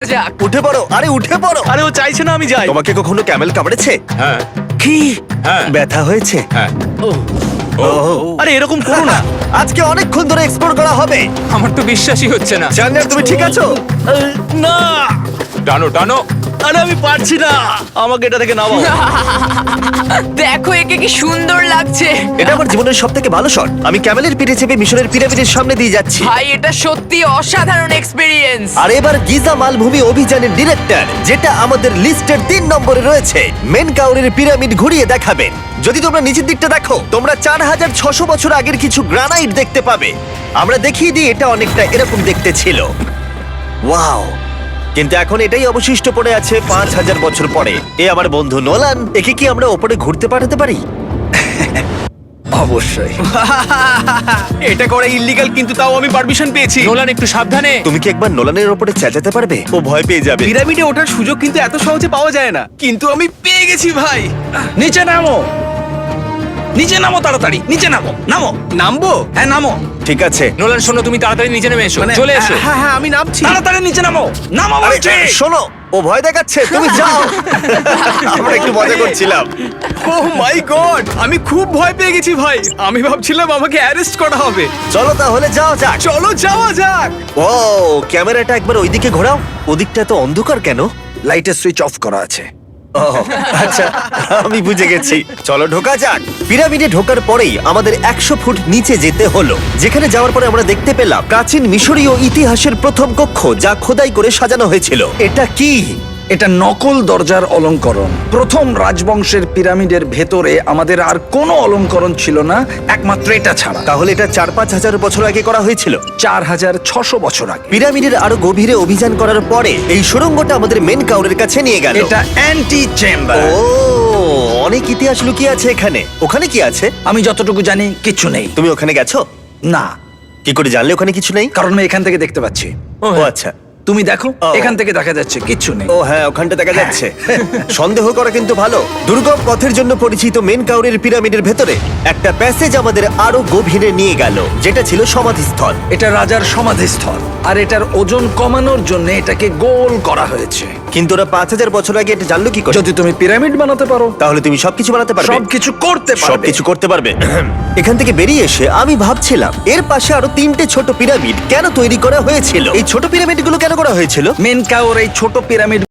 যাক। উঠে পড়ো, আরে উঠে পড়ো। আরে ও চাইছে না আমি যাই। তোমাকে কখনো ক্যামেল কামড়েছে? হ্যাঁ কি হ্যাঁ ব্যথা হয়েছে? হ্যাঁ আরে এরকম করো না। আজকে অনেকক্ষণ ধরে এক্সপ্লোর করা হবে। আমার তো বিশ্বাসই হচ্ছে না। জানলার তুমি ঠিক আছো? না, টানো টানো। আরে আমি পারছি না, আমাকে এটা থেকে নামাও। দেখো একে কি সুন্দর লাগছে। এটা আমার জীবনের সব থেকে ভালো শট। আমি ক্যামেলের পিঠে চেপে মিশরের পিরামিডের সামনে দিয়ে যাচ্ছি। ভাই এটা সত্যি অসাধারণ এক্সপেরিয়েন্স। আর এবার গিজা মালভূমি অভিযানের ডিরেক্টর, যেটা আমাদের লিস্টের 3 নম্বরে রয়েছে, মেনকাউরের পিরামিড ঘুরিয়ে দেখাবেন। যদি তোমরা নিচের দিকটা দেখো, তোমরা 4600 বছর আগের কিছু গ্রানাইট দেখতে পাবে। আমরা দেখিয়ে দিই, এটা অনেকটা এরকম দেখতে ছিল। ওয়াও! কিন্তু এখন এটাই অবশিষ্ট পড়ে আছে 5000 বছর পরে। এ আমার বন্ধু নোলান, একে কি আমরা ওপরে ঘুরতে পাঠাতে পারি? অবশ্যই। এটা করা ইল্লিগাল, কিন্তু তাও আমি পারমিশন পেয়েছি। নোলান একটু সাবধানে। তুমি কি একবার নোলানের ওপরে চেঁচাতে পারবে? ও ভয় পেয়ে যাবে। পিরামিডে ওঠার সুযোগ কিন্তু এত সহজে পাওয়া যায় না, কিন্তু আমি পেয়ে গেছি ভাই। নিচে নামো, নিচে নামো, তাড়াতাড়ি নিচে নামো, নামো। নামবো? হ্যাঁ নামো, ঠিক আছে। নোলান শোনো, তুমি তাড়াতাড়ি নিচে নেমে এসো, চলে এসো। হ্যাঁ হ্যাঁ আমি নামছি। তাড়াতাড়ি নিচে নামো, নামো আরে বলছি। শোনো, ও ভয় দেখাচ্ছে, তুমি যাও। আমরা একটু মজা করছিলাম। ও মাই গড, আমি খুব ভয় পেয়ে গেছি ভাই। আমি ভাবছিলাম আমাকে অ্যারেস্ট করা হবে। চলো তাহলে যাও যাক। চলো যাওয়া যাক। ও ক্যামেরাটা একবার ওইদিকে ঘোরাও। ওদিকটা তো অন্ধকার কেন? লাইটের সুইচ অফ করা আছে। ও আচ্ছা, আমি বুঝে গেছি। চলো ঢোকা যাক। পিরামিডে ঢোকার পরেই আমাদের 100 ফুট নিচে যেতে হলো, যেখানে যাওয়ার পরে আমরা দেখতে পেলাম প্রাচীন মিশরীয় ইতিহাসের প্রথম কক্ষ, যা খোদাই করে সাজানো হয়েছিল। এটা কি? এটা নকল দরজার অলঙ্করণ। প্রথম রাজবংশের পিরামিডের ভেতরে আমাদের আর কোনো অলঙ্করণ ছিল না, একমাত্র এটা ছাড়া। তাহলে এটা 4-5 হাজার বছর আগে করা হয়েছিল। 4600 বছর আগে। পিরামিডের আরো গভীরে অভিযান করার পরে এই সুড়ঙ্গটা আমাদের মেন কাউরের কাছে নিয়ে গেল। এটা অ্যান্টি চেম্বার। ও অনেক ইতিহাস লুকিয়ে আছে এখানে। ওখানে কি আছে? আমি যতটুকু জানি কিছু নেই। তুমি ওখানে গেছো? না, কি করে জানলে ওখানে কিছু নেই? কারণ আমি এখান থেকে দেখতে পাচ্ছি। ও আচ্ছা। তুমি দেখো, ও। এখান থেকে দেখা যাচ্ছে কিচ্ছু নেই। ও হ্যাঁ, ওখানটা দেখা যাচ্ছে। সন্দেহ করা কিন্তু ভালো। দুর্গম পথের জন্য পরিচিত মেন কাউরের পিরামিডের ভেতরে একটা প্যাসেজ আমাদের আরো গভীরে নিয়ে গেল, যেটা ছিল সমাধিস্থল। এটা রাজার সমাধিস্থল, আর এটার ওজন কমানোর জন্য এটাকে গোল করা হয়েছে। কিন্তু ওরা 5000 বছর আগে এটা জানলো কি করে? যদি তুমি পিরামিড বানাতে পারো, তাহলে তুমি সবকিছু বানাতে পারবে। সবকিছু করতে পারবে। সবকিছু করতে পারবে। এখান থেকে বেরিয়ে এসে আমি ভাবছিলাম, এর পাশে আরো 3টে ছোট পিরামিড কেন তৈরি করা হয়েছিল? এই ছোট পিরামিডগুলো কেন করা হয়েছিল? মেনকাওর এই ছোট পিরামিড